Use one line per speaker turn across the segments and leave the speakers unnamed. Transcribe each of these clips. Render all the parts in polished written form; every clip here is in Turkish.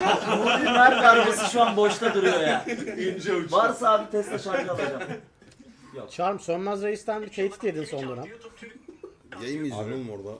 Nuri Mer darbesi şu an boşta duruyor ya.
İnce uç.
Varsa abi Tesla şarjı alacağım.
Charm Sönmez Reis'ten bir tehdit yedin son dönem.
Yayın mı izliyorsun oğlum orada?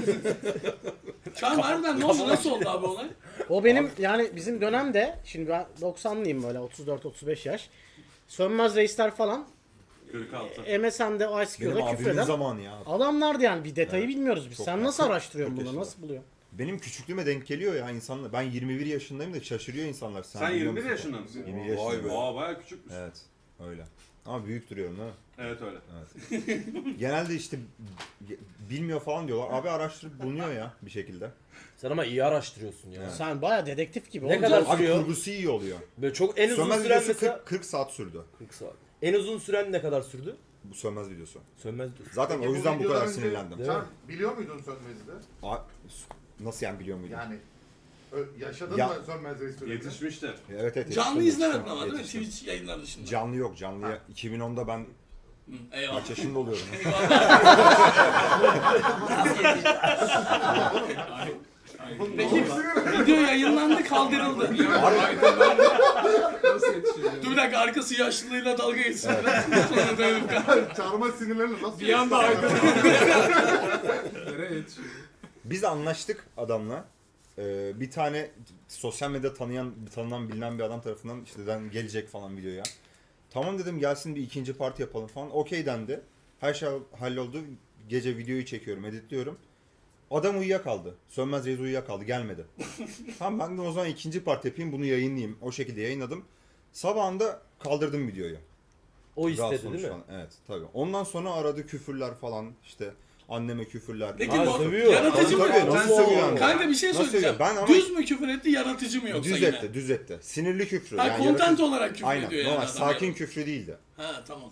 Çağım harbiden ne oldu? Nasıl oldu abi olay?
O benim yani bizim dönemde, şimdi ben 90'lıyım böyle 34-35 yaş. Sönmez Reisler falan
46.
MSN'de
Benim
ICQ'da
abimin
küfreden
zamanı ya.
adamlardı yani, bir detayı bilmiyoruz biz.
Çok
Sen
ya.
nasıl araştırıyorsun
Çok
bunu,
yaşlı.
nasıl buluyorsun?
Benim küçüklüğüme denk geliyor ya insanlar. Ben 21 yaşındayım da şaşırıyor insanlar.
Sen
biliyor
21
musun?
yaşında mısın?
21
Vay
yaşındayım.
be.
Aa bayağı küçükmüş.
Evet. Öyle. Ama büyük duruyorum değil mi?
Evet öyle.
Genelde işte bilmiyor falan diyorlar. Abi araştırıp bulunuyor ya bir şekilde.
Sen ama iyi araştırıyorsun ya.
Evet.
Sen baya dedektif gibi.
Ne
oğlum.
kadar
Abi
sürüyor?
kurgusu iyi oluyor.
Böyle çok en uzun
Sönmez
süren
videosu
mesela
40 saat sürdü.
40 saat. En uzun süren ne kadar sürdü?
Bu Sönmez videosu.
Sönmez diyorsun.
Zaten
Peki
o yüzden bu kadar
videodan önce
sinirlendim.
Değil mi?
Sen biliyor muydun Sönmez'i de?
Nasıl yani biliyor muydun?
Yani yaşadın
Ya-
mı Sönmez Reis dönemini?
Yetişmiştir.
Evet evet.
Canlı
yetiştim,
izlemedin
yetiştim,
ama değil mi?
yetiştim.
Twitch yayınları dışında.
Canlı yok. Canlıya 2010'da ben
Hı, eyvallah.
kaç yaşında oluyorum?
Peki video yayınlandı, kaldırıldı. Dur bir dakika, arkası yaşlılığıyla dalga geçsin. Sonra dönüp
Çarmıha sinirlerle nasıl
bir anda arkada.
Biz anlaştık adamla. Bir tane sosyal medya tanınan bilinen bir adam tarafından işte gelecek falan videoya. Tamam dedim, gelsin bir ikinci parti yapalım falan. Okey dendi. Her şey halloldu. Gece videoyu çekiyorum, editliyorum. Adam uyuyakaldı. Sönmez Reis uyuyakaldı, gelmedi. Tamam ben de o zaman ikinci parti yapayım, bunu yayınlayayım. O şekilde yayınladım. Sabahında kaldırdım videoyu.
O
Rahat
istedi değil mi?
sonuçlan. Evet tabii. Ondan sonra aradı küfürler falan, işte anneme küfürler.
Peki
Ha,
bu
sövüyor.
yaratıcı mı?
Tabii, nasıl sövüyor yani?
Kanka bir şey
Nasıl
söyleyeceğim.
sövüyor? Ben ama-
Düz mü küfür etti, yaratıcı mı yoksa
Düz
yine?
etti, düz etti. Sinirli küfrü.
Ha,
yani
content
yaratıcı-
olarak küfür
Aynen,
ediyor yani
normal,
adam
sakin
yani.
küfrü değildi.
Ha tamam.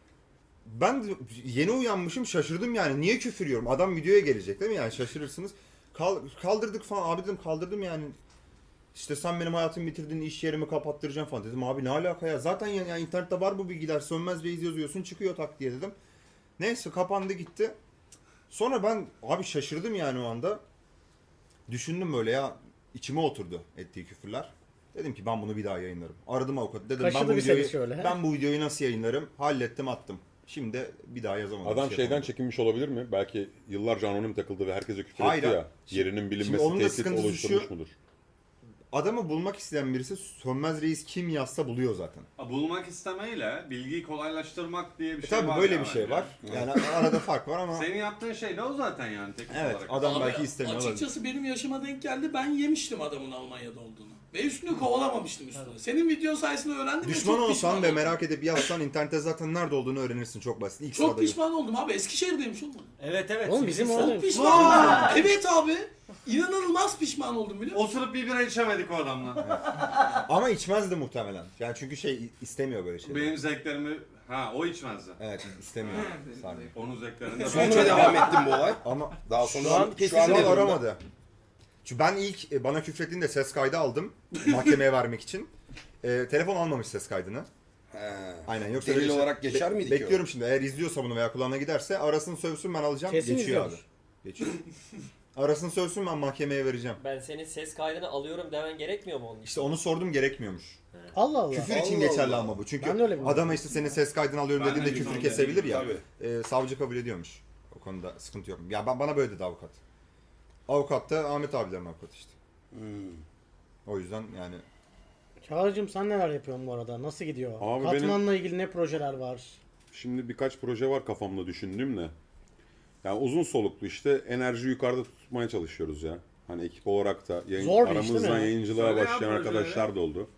Ben de yeni uyanmışım, şaşırdım yani. Niye küfür yiyorum? Adam videoya gelecek değil mi? Yani şaşırırsınız. Kaldırdık falan. Abi dedim, kaldırdım yani. İşte sen benim hayatımı bitirdin, iş yerimi kapattıracaksın falan dedim. Abi ne alaka ya? Zaten yani internette var bu bilgiler. Sönmez Reis yazıyorsun, çıkıyor tak diye dedim. Neyse kapandı gitti. Sonra ben abi şaşırdım yani o anda. Düşündüm böyle ya, içime oturdu ettiği küfürler. Dedim ki ben bunu bir daha yayınlarım. Aradım avukatı. Dedim
Kaşıdı
ben bu
bir seni
videoyu
şöyle, he?
ben bu videoyu nasıl yayınlarım? Hallettim, attım. Şimdi bir daha yazamadım.
Adam
bir şey
şeyden
yapamadım.
çekinmiş olabilir mi? Belki yıllarca anonim takıldı ve herkese küfür
Hayır,
etti ya.
şimdi-
Yerinin
şimdi
bilinmesi
onun da
tehdit
sıkıntısı
oluşturmuş
şu-
mudur?
Adamı bulmak isteyen birisi Sönmez Reis kim yazsa buluyor zaten.
Bulmak istemeyle bilgiyi kolaylaştırmak diye bir şey
Tabii
var.
böyle
ya
bir şey
bence.
var. Yani arada fark var ama
Senin yaptığın şey de o zaten yani teknik
evet
olarak.
adam
Abi,
belki istemiyor olabilir.
açıkçası benim yaşıma denk geldi. Ben yemiştim adamın Almanya'da olduğunu. Ve üstünü kovalamamıştım üstüne. Senin video sayesinde öğrendim. ve
Düşman
çok
olsan
pişman
ve
oldum.
merak edip yazsan internette zaten nerede olduğunu öğrenirsin, çok basit. İlk
Çok
sırada yok.
pişman oldum abi. Eskişehir'deymiş oğlum.
Evet evet.
Oğlum bizim
Sivrihisar.
orada-
Çok pişman oldum. Evet abi. İnanılmaz pişman oldum biliyor musun?
Oturup bir bira içemedik o adamla.
Ama içmezdi muhtemelen. Yani çünkü istemiyor böyle şeyleri.
Benim zevklerimi... Ha o içmezdi.
Evet istemiyor. Sarmıyor.
Onun zevklerinde...
Sonuçta devam etti bu olay.
Ama
Daha sonra
Şu an
şu an
kesin
şu an
ne durumda?
aramadı. Çünkü ben ilk bana küfrettiğinde ses kaydı aldım mahkemeye vermek için. Telefon almamış ses kaydını.
He.
Aynen, yoksa
Delil
öyle şey-
olarak geçer miydi ki o?
Bekliyorum şimdi, eğer izliyorsa bunu veya kulağına giderse arasın sövsün, ben alacağım.
Kesin
Geçiyor abi.
izliyordur.
Geçiyor. Arasın sövsün, ben mahkemeye vereceğim.
Ben senin ses kaydını alıyorum demen gerekmiyor mu onun için?
İşte onu sordum, gerekmiyormuş.
Allah Allah.
Küfür için
Allah
geçerli
Allah.
ama bu. Çünkü
Ben de öyle biliyorum.
adama işte senin ses kaydını alıyorum
Ben de
dediğinde küfür
biliyorum.
kesebilir ya.
Tabii.
Savcı kabul ediyormuş. O konuda sıkıntı yok. Ya bana böyle dedi avukat. Avukat da Ahmet abilerin avukatı işte. O yüzden yani
Çağrı'cığım sen neler yapıyorsun bu arada? Nasıl gidiyor?
Abi
Katmanla ilgili ne projeler var?
Şimdi birkaç proje var kafamda düşündüğüm de. Yani uzun soluklu işte enerji yukarıda tutmaya çalışıyoruz ya. Hani ekip olarak da
Zor bir iş değil
aramızdan
mi?
yayıncılığa
Söyle ya
başlayan
projeleri.
arkadaşlar da oldu.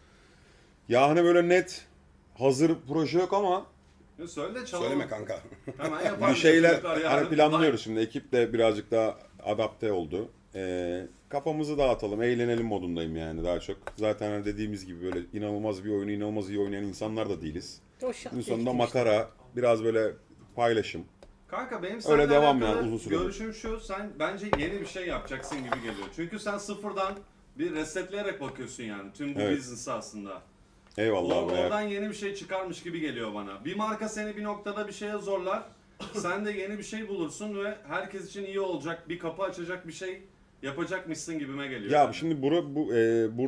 Ya hani böyle net hazır proje yok ama
Söyle çalalım.
Söyleme kanka.
Hemen yapalım.
bir şeyler
Çocuklar yarın
hani planlıyoruz şimdi. Ekip de birazcık daha adapte oldu. Kafamızı dağıtalım, eğlenelim modundayım yani daha çok. Zaten hani dediğimiz gibi böyle inanılmaz bir oyunu inanılmaz iyi oynayan insanlar da değiliz.
O şart
Günün sonunda
ekip işte.
makara, biraz böyle paylaşım.
Kanka benim
Öyle
seninle
devam
alakalı
yani, uzun süredir.
görüşüm şu, sen bence yeni bir şey yapacaksın gibi geliyor. Çünkü sen sıfırdan bir resetleyerek bakıyorsun yani tüm bu
Evet.
business'a aslında.
Eyvallah abi.
Oradan yeni bir şey çıkarmış gibi geliyor bana. Bir marka seni bir noktada bir şeye zorlar. Sen de yeni bir şey bulursun ve herkes için iyi olacak, bir kapı açacak bir şey yapacakmışsın gibime geliyor.
Ya
yani.
şimdi bu